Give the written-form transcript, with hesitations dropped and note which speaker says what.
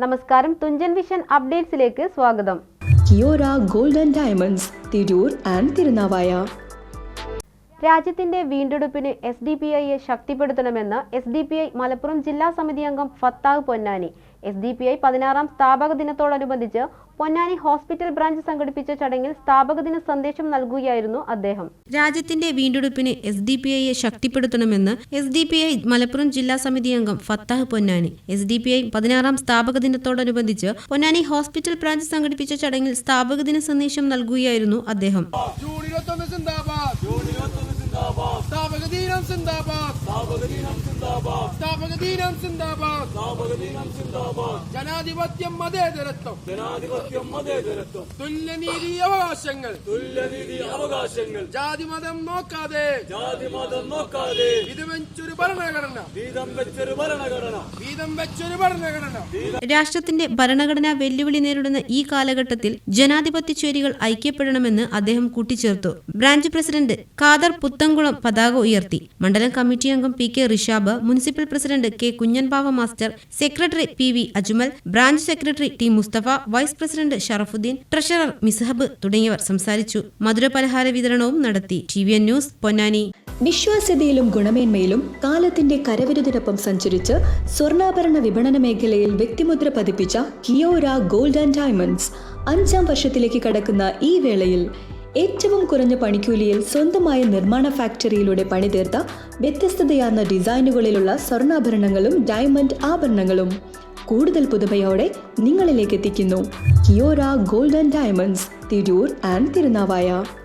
Speaker 1: നമസ്കാരം, തുഞ്ചൻ വിഷൻ അപ്ഡേറ്റ്സിലേക്ക് സ്വാഗതം.
Speaker 2: Kiora gold and diamonds, Tirur and Thirunavaya.
Speaker 1: രാജ്യത്തിന്റെ വീണ്ടെടുപ്പിന് SDPIയെ ശക്തിപ്പെടുത്തണമെന്ന് SDPI മലപ്പുറം ജില്ലാ സമിതി അംഗം ഫത്താഹ് പൊന്നാനി. SDPI 16ാം സ്ഥാപക ദിനത്തോടനുബന്ധിച്ച് പൊന്നാനി ഹോസ്പിറ്റൽ ബ്രാഞ്ച് സംഘടിപ്പിച്ച ചടങ്ങിൽ സ്ഥാപക ദിന സന്ദേശം നൽകുകയായിരുന്നു അദ്ദേഹം. രാജ്യത്തിന്റെ വീണ്ടെടുപ്പിന് SDPIയെ ശക്തിപ്പെടുത്തണമെന്ന് SDPI മലപ്പുറം ജില്ലാ സമിതി അംഗം ഫത്താഹ് പൊന്നാനി. SDPI 16ാം സ്ഥാപക ദിനത്തോടനുബന്ധിച്ച് പൊന്നാനി ഹോസ്പിറ്റൽ ബ്രാഞ്ച് സംഘടിപ്പിച്ച ചടങ്ങിൽ സ്ഥാപക ദിന സന്ദേശം നൽകുകയായിരുന്നു അദ്ദേഹം.
Speaker 3: ജനാധിപത്യം മതേതരത്വം തുല്യനീതി അവകാശങ്ങൾ ജാതിമതം നോക്കാതെ വീതം വെച്ചൊരു ഭരണഘടന.
Speaker 1: രാഷ്ട്രത്തിന്റെ ഭരണഘടനാ വെല്ലുവിളി നേരിടുന്ന ഈ കാലഘട്ടത്തിൽ ജനാധിപത്യ ചേരികൾ ഐക്യപ്പെടണമെന്ന് അദ്ദേഹം കൂട്ടിച്ചേർത്തു. ബ്രാഞ്ച് പ്രസിഡന്റ് ഖാദർ പുത്തംകുളം പതാക ഉയർത്തി. മണ്ഡലം കമ്മിറ്റി അംഗം PK Rishab, municipal president K Kunhanbava master, secretary PV Ajmal, branch secretary T Musthafa, vice president Sharafudheen, treasurer Mishab തുടങ്ങിയവർ സംസാരിച്ചു. മധുരപലഹാര വിതരണവും നടത്തി. TVN news, Ponnani.
Speaker 2: വിശ്വാസ്യതയിലും ഗുണമേന്മയിലും കാലത്തിന്റെ കരവിരുതിനൊപ്പം സഞ്ചരിച്ച് സ്വർണ്ണാഭരണ വിപണന മേഖലയിൽ വ്യക്തിമുദ്ര പതിപ്പിച്ച കിയോര ഗോൾഡ് ആൻഡ് ഡയമണ്ട്സ് 5ാം വർഷത്തിലേക്ക് കടക്കുന്ന ഈ വേളയിൽ ഏറ്റവും കുറഞ്ഞ പണിക്കൂലിയിൽ സ്വന്തമായ നിർമ്മാണ ഫാക്ടറിയിലൂടെ പണിതീർത്ത വ്യത്യസ്തതയാർന്ന ഡിസൈനുകളിലുള്ള സ്വർണ്ണാഭരണങ്ങളും ഡയമണ്ട് ആഭരണങ്ങളും കൂടുതൽ പുതുമയോടെ നിങ്ങളിലേക്ക് എത്തിക്കുന്നു. Kiora gold and diamonds, Tirur and Thirunavaya.